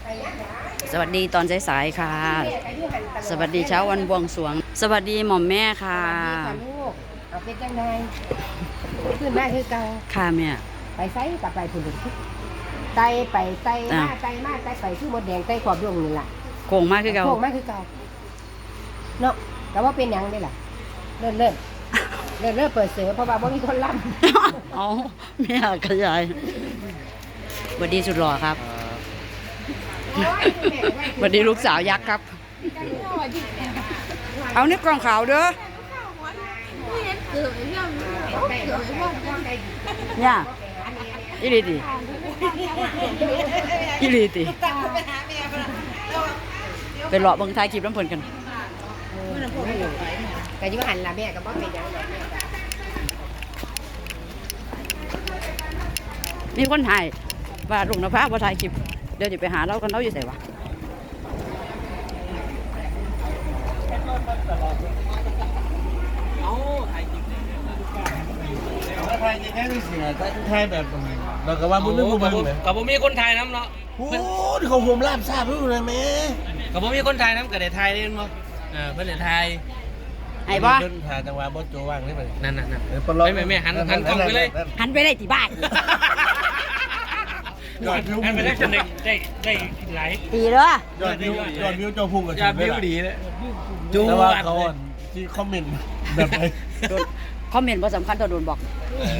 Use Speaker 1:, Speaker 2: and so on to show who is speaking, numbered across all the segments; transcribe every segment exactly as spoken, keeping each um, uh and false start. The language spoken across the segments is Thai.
Speaker 1: สวัสดีตอนสายๆค่ะสวัสดีเช้าวันบวงสรวงสวัสดีหม่อมแม่ค่ะ
Speaker 2: ลูกเอาเป็นจังไงขึ้นมาคือเก่า
Speaker 1: ค่ะแม่
Speaker 2: ไปไซกับไปผุนไตไปไตมาไตมาไตไปคือหมดแดงไตขอบดวงนี่ล่ะ
Speaker 1: โค้งมากคือเก่า
Speaker 2: โค้งมากคือเก่าเนาะแต่ว่าเป็นยังได้ล่ะเลิ่นเลิ่นเลิ่นเลิ่นเปิดเสือเพราะว่าบ่มีคนรับ
Speaker 1: เอาแม่ขยายสวัสดีสุดหล่อครับสวัสดีลูกสาวยักษ์ครับเอาเนี้ยกล่องขาวเด้อเนี่ยอีลีติอีลีติไปหล่อเบิ่งท้ายคลิปน้ำเพลินกัน
Speaker 2: แต่ยิ่งหันละแม่ก็บ่เป็นยัง
Speaker 1: มีคนถ่ายว่าลุงนภาว่าถ่ายคลิปเดี๋ยวจะไปหาเรากันเราอยู่ไหนวะ
Speaker 3: ไทยจะแค่ไม่เสียไทยแบบเราก็ว่าบุญนึกบุญบุญ
Speaker 4: กับผมมีคนไทยน้ำเนาะ
Speaker 3: โอ้ยเขาผมลาบทราบรู้เลยแม่
Speaker 4: กับผมมีคนไทยน้ำกับเด็กไทยเล่นมั้งเออเพื่อนเด็กไทย
Speaker 1: ไอ้บ้า
Speaker 3: เพื่อนถ่ายจังหวะบอสโจว่างนี่ไป
Speaker 4: นั่นนั่นนั่นไม่ไม่ไม่หันหันกล้องไปเลย
Speaker 1: หันไปเลยที่บ้าน
Speaker 4: หันไปได้จนได้ได้ได้ไหล
Speaker 1: ตีเลย
Speaker 3: ยอดวิวยอดวิวเจ้าพุ่งกับ
Speaker 4: ยอดวิวดีเลย
Speaker 3: จูว่าเขาที่คอมเมนต์แบบไหน
Speaker 1: คอมเมนต์ว่าสำคัญต่อโดนบอก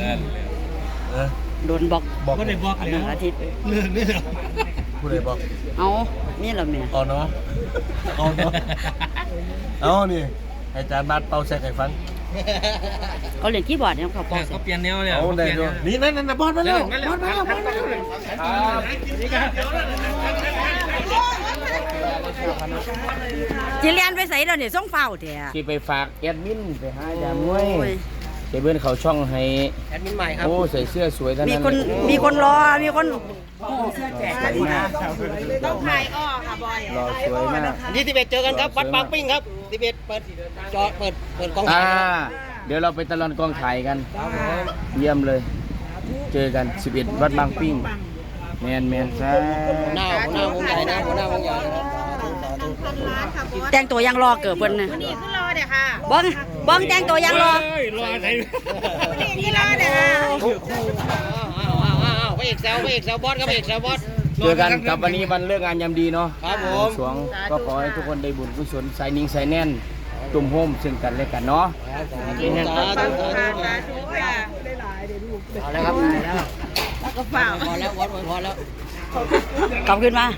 Speaker 1: โดนบอก
Speaker 4: บอกก็ได้บอก
Speaker 1: อันนึงอาทิตย์
Speaker 4: เรื่องนี้เหรอ
Speaker 3: ผู้ใดบอก
Speaker 1: เอานี่เหรอแม่
Speaker 3: เอาเนาะเอาเนาะเอานี่อาจารย์บัดเป่าแซกให้ฟัง
Speaker 1: เขาเล่นคีย์บอร์ดเนี่ยเขาเป่า
Speaker 4: เขาเปลี่ยนแนวเลย
Speaker 3: เอาได้ด้วยนี่นั่นนั่นบอสมาแล้วบอสมาแล้วบอสมาแล้ว
Speaker 1: จีเรียนไปใส่เราเนี่ยส่งเฝ้าเถอะ
Speaker 5: ที่ไปฝากแอดมินไปหาจามวยเดี๋ยวเพื่อนเขาช่องให้
Speaker 4: แอดมินใหม่ครับ
Speaker 5: โอ้ใส่เสื้อสวยท่าน
Speaker 1: มีคนมีคนรอมีคน
Speaker 5: เสื้อแจกต้องถ่ายอ้อค่ะบอยรอสวยมาก
Speaker 4: ที่สิบเอ็ดเจอกันครับวัดบางปิ้งครับสิบเอ็ดเปิดจอเปิดเปิดกองถ่าย
Speaker 5: เดี๋ยวเราไปตลอดกองถ่ายกันเยี่ยมเลยเจอกันสิบเอ็ดวัดบางปิ้งแมนแมนใช่
Speaker 4: หัวหน้าหัวหน้าวงใหญ่นะหัวหน้าวงใหญ่
Speaker 1: แต่งตัวยังรอเกิดเพิ่นนะ
Speaker 2: นี่คือรอเด้อค่ะ
Speaker 1: บ้องบ้องแต่งตัวยังรอ
Speaker 4: รอไหน
Speaker 2: นี่คือรอเด้อค่ะ
Speaker 4: พระเอกแซวพระเอกแซวบอสครับพระเอกแซวบอส
Speaker 5: เจอกันกับวันนี้วันเลิกงานยามดีเนาะ
Speaker 4: ครับผม
Speaker 5: สวงก็ขอให้ทุกคนได้บุญกุศลใส่นิ่งใส่แน่นตุ่มโฮมซึ่งกันและกันเนาะ
Speaker 4: เอาแล้วครับ
Speaker 2: แล้วก็ฝ่า
Speaker 4: พอแล้ววัดพอแล้ว
Speaker 1: กลับขึ้นมา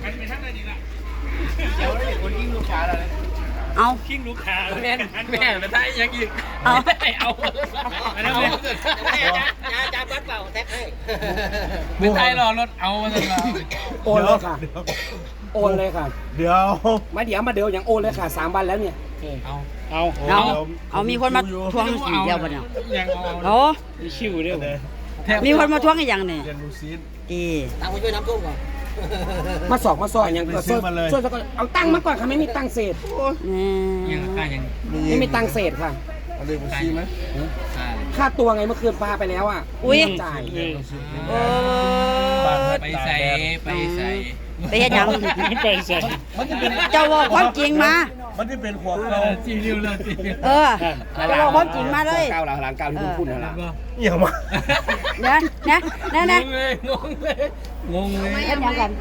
Speaker 1: เอา
Speaker 4: ขิงลูกค้าแม่แม่ไปได้ยังอีก
Speaker 1: เอา
Speaker 4: เอาอันนั้นเลยยาจาบัดเปล่าแท็กให้ไม่ได้รอรถเอามาเลย
Speaker 5: โอนเลยค่ะโอนเลยค่ะ
Speaker 3: เดี๋ยว
Speaker 5: มาเดี๋ยวมาเดี๋ยวอย่างโอนเลยค่ะสามวันแล้วเนี่ย
Speaker 4: เอา
Speaker 1: เอาเอาเอามีคนมาทวงสีเดียวกันเนี่ยเอา
Speaker 4: มีชิวด้วย
Speaker 1: มีคนมาทวงอีกอย่างเนี่ย
Speaker 4: ดีตั้งไปช่วยน้ำท่วมก่อน
Speaker 5: มาสอบมาสอบอย่างก็ช่วยช่วยก่อนเอาตังค์มาก่อนค่ะไม่มีตังค์เศษ
Speaker 4: ยังค่ายัง
Speaker 5: ไม่มีตังค์เศษค่ะ
Speaker 3: เอาเลยมาซีไหม
Speaker 5: ค่าตัวไงเมื่อคืนพาไปแล้วอ่ะ
Speaker 1: อุ้ย
Speaker 5: จ่าย
Speaker 4: ไปใส่ไปใส่
Speaker 1: ไปยัง
Speaker 4: ไปใส่
Speaker 1: เจ้าบอกความจริงมา
Speaker 3: มันที่เป็นขวบเรา
Speaker 4: จีริวเลยจี
Speaker 1: เออเจ้าบอกความจริงมาเลย
Speaker 5: เก้าหลังหลังเก้าที่คุณพูดนะล่ะ
Speaker 3: เยี่ยมมาก
Speaker 1: เนี่ยเนี่ยเนี่ยเนี่ย
Speaker 4: งงเลยงงเลย
Speaker 1: เห็นยังกัน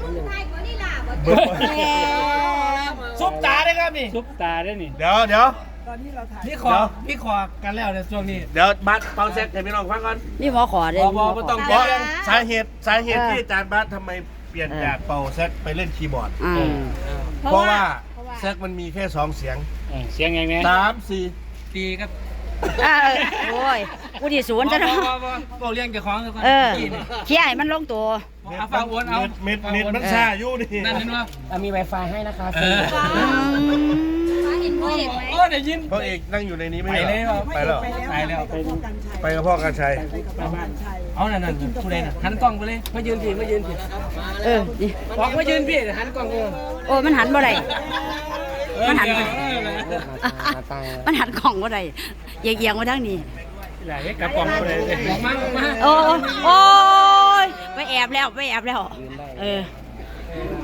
Speaker 4: ซุปตาได้ครับนี่ซุปตาได้นี่
Speaker 3: เดี๋ยวเดี๋ยว
Speaker 4: พี่ขอพี่ขอกันแล้วในช่วงนี้
Speaker 3: เดี๋ยวบัสเป่าแซกให้พี่น้องฟังก่อน
Speaker 1: นี่หมอขอเด้
Speaker 4: บอบอต้อง
Speaker 3: บอกสาเหตุสาเหตุที่อาจารย์บัสทำไมเปลี่ยนจากเป่าแซกไปเล่นคีย์บอร์ดเพราะว่าแซกมันมีแค่สองเสียง
Speaker 4: เสียงไงแม่
Speaker 3: สามสี่
Speaker 4: ตีครับ
Speaker 1: โอ้ยกูที่ศูนย์จะเนาะ
Speaker 4: บอกเลี้ยงเจ้าของ
Speaker 1: เออเขี่ยให้มันลงตัว
Speaker 4: เอาฟังวนเอา
Speaker 3: เม็ดเม็ดมันซาอยู่นี่
Speaker 4: นั่นนั่นว่า
Speaker 5: มี Wi-Fi ให้นะคะฟรี
Speaker 4: เห็นพ่อเอกไหมโอ้ได้ยิน
Speaker 3: พ่อเอกนั่งอยู่ในนี้ไม่
Speaker 4: ไปแล้ว
Speaker 3: ไปแล้ว
Speaker 4: ไปแล้ว
Speaker 3: ไปกับพ่อการชัย
Speaker 4: เอานั่นนั่นผู้ใดน่ะหันกล้องไปเลยมายืนพี่มายืนพี่
Speaker 1: เออ
Speaker 4: บอกมายืนพี่หันกล้องเออ
Speaker 1: โอ้มันหันบ่ได้มันหันมันหันกล่องบ่ได้เอียงๆมาทางนี้
Speaker 4: ไหลกับกล่องบ่ได้บอกมาบอกมา
Speaker 1: โอ้โอ้ยไปแอบแล้วไปแอบแล้วเออ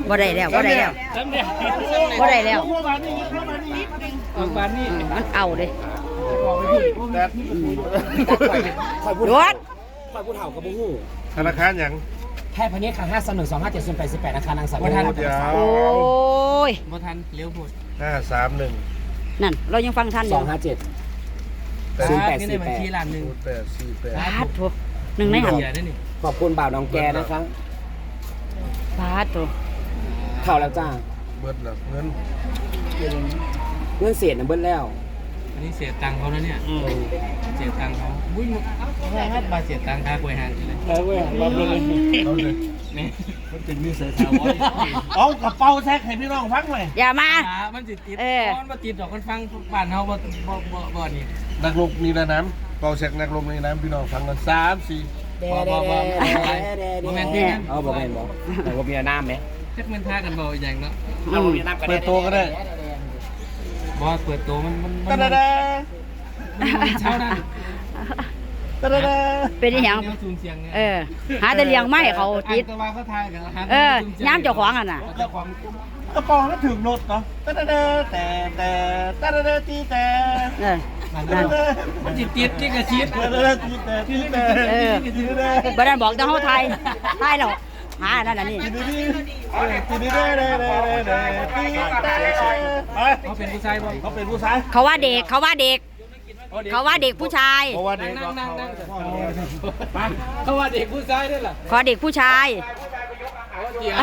Speaker 1: บ่ได้แล้วบ่ได้แล้ว
Speaker 4: ซ้ำเนี่ย
Speaker 1: บ่ได้แล้ว
Speaker 3: เข้ามานี่เข้ามานี่
Speaker 4: ออกบานนี่
Speaker 1: อืมมันเอาเด้
Speaker 3: แต่
Speaker 1: รถ
Speaker 6: คอยผู้เฒ่ากับผู้หู้
Speaker 3: ธนาคารหยัง
Speaker 6: แพทย์พเนจรค่ะห้าสองหนึ่งสองห้าเจ็ดศูนย์แปดสิบแปดอาคารนางสาว
Speaker 3: โอ้เดี๋ยว
Speaker 1: โอ้ย
Speaker 4: บ่ทันเลี้ยวพูด
Speaker 3: ห้าสามหนึ่ง
Speaker 1: นั่นเรายังฟังท่านอ
Speaker 6: สองห้าเจ็ด ศูนย์แปดสี่แปด
Speaker 4: นี่ในบัญชีล้านหนึ่ง
Speaker 3: แปดสี่แปด
Speaker 1: พาดโถหนึ่งในหัน
Speaker 4: เสียได้นี่
Speaker 6: ขอบคุณบ่าวน้องแกนะคะ
Speaker 1: พาดโถ
Speaker 6: เข่าแล้วจ้า
Speaker 3: เบิดแล้วเงิน
Speaker 6: เงื่อนเสียนะเบิ้ลแล้ว
Speaker 4: อันนี้เสียตังค์เขาแล้วเนี่ย
Speaker 3: อืม
Speaker 4: เสียตังค์เขาบุ้ยแม่ครับมาเสียตังค์ค่ากล้วยหางเลย
Speaker 3: แล้วเว้ยรับเลยเอาเลย
Speaker 4: นี่
Speaker 3: มันเป็นนิสัยถาวรเอากระเป๋าแท็กให้พี่น้องฟังเลย
Speaker 1: อย่ามา
Speaker 4: ขามันติดติด
Speaker 1: เออ
Speaker 4: ก้อนมาติดดอกมันฟังบ้านเฮาบ่บ่บ่บ่นี่
Speaker 3: นักลงนี่นะน้ำเป่าแท็กนักลงนี่น้ำพี่น้องฟังกันสามสี่
Speaker 6: แด
Speaker 4: บ่
Speaker 6: แด
Speaker 4: บ่
Speaker 6: แด
Speaker 4: บ่
Speaker 6: แด
Speaker 4: บ่
Speaker 6: แด
Speaker 4: บ่แม่น
Speaker 6: แด
Speaker 4: ที่นั่น
Speaker 6: เอาบอกแม่นบอกแต่ว่ามีน้ำไหม
Speaker 4: จักมันท่ากันบ่อย่างเนาะ
Speaker 1: อืม
Speaker 3: เปิดตัวก็ได้
Speaker 4: บ่เปิดตัวมันมัน
Speaker 3: ตะ
Speaker 4: มัน
Speaker 3: ดาดา
Speaker 4: มันเช้านั้น
Speaker 3: ตะดาดา
Speaker 1: เป็นอีหยัง
Speaker 4: แนวซูมเสียงเนี่ย
Speaker 1: เออ หาแต่เลี้ยงไม้เขาติด
Speaker 4: อ่างตะวันเขาทายกันหา
Speaker 1: เออ
Speaker 4: ซูมสีย
Speaker 1: ย้ำเจ้าของอ่ะน่ะ
Speaker 3: เจ้าของกระเป๋าก็ถึงรถเนาะตะดาดาแต่แต่ตะดาดาตีแต่
Speaker 1: เออ
Speaker 4: มัน
Speaker 3: ตะดาดา
Speaker 4: มันติดติดที่กระชิด
Speaker 3: ตะดาดาตีแต่ตีแต่
Speaker 1: เออ
Speaker 3: ตีแต่
Speaker 1: บ่ได้บอกแต่เฮาไทยไทยแล้วหาอันนั่นอันนี้
Speaker 3: ตีดีตีดีเด้เด้เด้เด้ตีแต่ไป
Speaker 4: เขาเป็นผู้ชายบ่
Speaker 3: เขาเป็นผู้ชาย
Speaker 1: เขาว่าเด็กเขาว่าเด็ก เขาว่าเด็กผู้ชาย
Speaker 3: เพราะว่าเด็ก
Speaker 4: นั่งนั่งนั่ง
Speaker 3: ไป
Speaker 4: เขาว่าเด็กผู้ชายด้วยล่ะ
Speaker 1: ขอเด็กผู้ชาย
Speaker 4: เดี๋ยว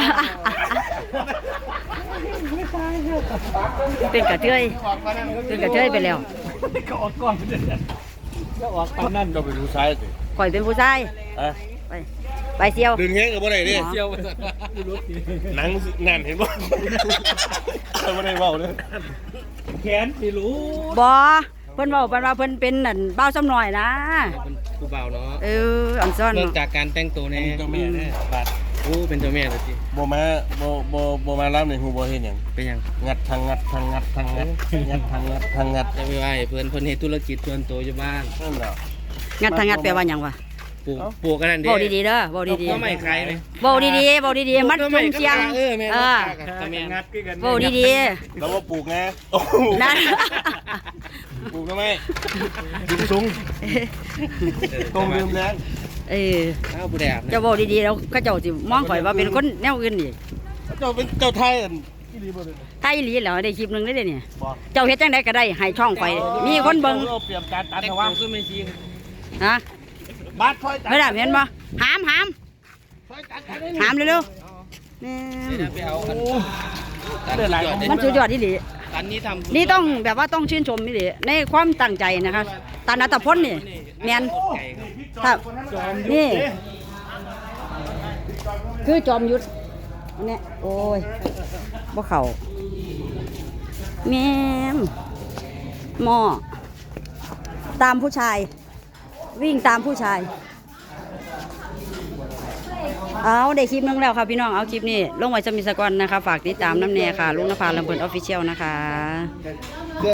Speaker 1: เป็นกระเทยเป็นกระเทยไปแล้ว
Speaker 3: ก็ออกก่อนก็ออกตอนนั้นก็เป็นผู้ชายสิ
Speaker 1: ข่อยเป็นผู้ชาย
Speaker 3: อ่ะ
Speaker 1: ไป ไปเซียว
Speaker 3: ดึงแห้งกับบ่ได้ดิ
Speaker 4: เที่ยวไปสัตว์รถ
Speaker 3: หนังแน่นเห็นบ่บ่ได้เว้าเลย
Speaker 4: แขนสิรู้
Speaker 1: บอเพิ่นเว้าเพิ่นว่าเพิ่นเป็นนั่นเบ้าซ้ำหน่อยนะ
Speaker 4: เป็นผู้บ่าวเนาะ
Speaker 1: เอออันซ่อน
Speaker 4: เริ่ม
Speaker 1: เนาะ
Speaker 4: จากการแต่งตัวเนี่ย
Speaker 3: เจ้าแม่แน่บาด
Speaker 4: โอ้เป็นเจ้าแม่เลยสิ
Speaker 3: บ่มาบ่บ่บ่มารับในฮู้บ่เฮ็ดหยัง
Speaker 4: เป็นยัง
Speaker 3: งัดทางงัดทางงัดทางงัดงัดทางงัดทางงัด
Speaker 4: จะไปไหว้เพื่อนเพื่อนเฮ็ดธุรกิจส่วนตัวอยู่บ้าน
Speaker 3: นั่นแหละ
Speaker 1: งัดทางงัดแปลว่าหยังวะ
Speaker 4: ปลูกปลูกกันนั่นดิ
Speaker 1: เว้าดีๆเด้อเว้าดี
Speaker 4: ก็ไม่ใครไหม
Speaker 1: ๆเว้าดีๆเว้าดีๆมัดจุ่มเสียง
Speaker 4: เออแม่
Speaker 1: เออ
Speaker 4: ตะแม่
Speaker 3: งัดคือกัน
Speaker 1: เว้าดี
Speaker 3: แล้วว่าปลูกไงโอ้
Speaker 1: ๆนั่น
Speaker 3: ปลูกทำไมดึงสูงตรงลืมแรง
Speaker 1: เออ
Speaker 4: ข้าวผู้แดด
Speaker 1: เจ้าเว้าดีๆแล้วเขาเจ้าสิมองข่อยว่าเป็นคนแนวอื่นนี่
Speaker 3: เจ้าเป็นเจ้าไทยอันที่ดีบ่เลย
Speaker 1: ไทยอีหลีแล้วได้คลิปหนึงได้เด้เนี่ย
Speaker 3: บ่
Speaker 1: เจ้าเฮ็ดจังไดก็ได้ให้ช่องข่อยมีคนเบิ่ง
Speaker 3: เอาเปรียบการตัด
Speaker 4: แต่
Speaker 3: นะ
Speaker 4: ว่า
Speaker 3: ว่า
Speaker 4: ขึ้นไม่จริง
Speaker 1: ฮะ
Speaker 3: บาดคอยตัด
Speaker 1: ไม่ได้เห็นบ่หามหาม
Speaker 3: คอยตัดกันได้
Speaker 1: หามเร็วๆนี่
Speaker 4: ไปเอาอัน
Speaker 3: ได้หลายคน
Speaker 1: มันสุดยอดอีหลี
Speaker 4: อันนี้ทำ
Speaker 1: นี่ต้องแบบว่าต้องชื่นชมนี่ดิในความตั้งใจนะคะตานัตพลนี่แมน
Speaker 4: ไก่ครับ
Speaker 1: ถ้านี่ คือจอมยุทธอันเนี้ยโอ้ยบ่เข่าแม่มหม้อตามผู้ชาย วิ่งตามผู้ชาย เอาได้คลิปนึงแล้วค่ะพี่น้องเอาคลิปนี้ลงไว้จะมีสกอนนะคะ ฝากติดตามน้ำแน่ค่ะลุงนภาลำเบินออฟฟิเชียลนะคะ